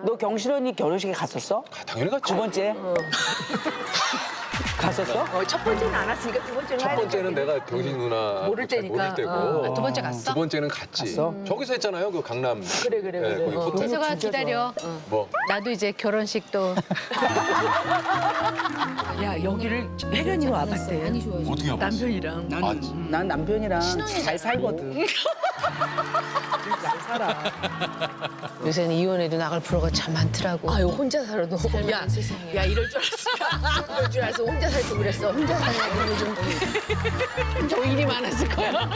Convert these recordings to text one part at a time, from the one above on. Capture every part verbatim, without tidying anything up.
너 경실 언니 결혼식에 갔었어? 아, 당연히 갔지. 두 번째? 갔었어? 어, 첫 번째는 안 왔으니까 두 번째는 첫 가야 번째는 되겠네. 내가 경식 누나 모를 잘 때니까. 모를 때고 어. 아, 두 번째 갔어? 두 번째는 갔지. 갔어? 저기서 했잖아요. 그 강남. 그래, 그래, 네, 그래. 거기 어. 호텔. 혜서가 기다려. 뭐 나도 이제 결혼식도 야, 여기를 혜련이로 와봤대. 많이 좋아져. 어떻게 해봤어? 남편이랑. 아, 난 남편이랑 잘 살거든. 잘 살아. 요새는 이혼해도 나갈 프로가 참 많더라고. 아유, 혼자 살아도. 야, 야, 이럴 줄 알았어. 이럴 줄 알았어. 혼자 살 때 그랬어. 혼자 살려고 요즘. 더 일이 많았을 거야.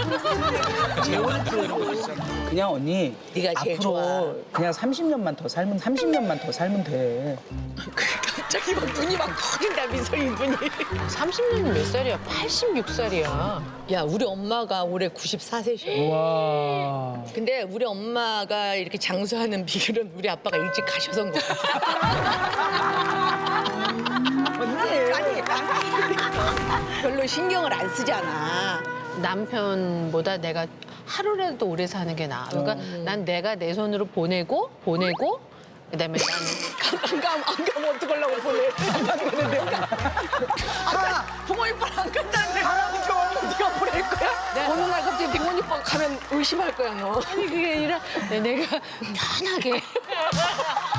그냥 언니 네가 제일 앞으로 좋아. 그냥 삼십 년만 더 살면 삼십 년만 더 살면 돼. 갑자기 막 눈이 막 커진다, 미소이 눈이. 삼십 년이 몇 살이야? 팔십육 살이야. 야, 우리 엄마가 올해 구십사 세셔. 와. 근데 우리 엄마가 이렇게 장수하는 비결은 우리 아빠가 일찍 가셔서인 것 같아. 언니. 아니, 별로 신경을 안 쓰잖아. 남편보다 내가 하루라도 오래 사는 게 나아. 그러니까 난 내가 내 손으로 보내고 보내고 그다음에 나는 안 가면, 안 가면 어떡하려고 보내. 안 가는데. 아까 동원 이빠랑 안 간다는데. 가라니까. 네가 보낼 거야? 어느 날 갑자기 동원 이빠가 가면 의심할 거야, 너. 아니 그게 아니라 내가 편하게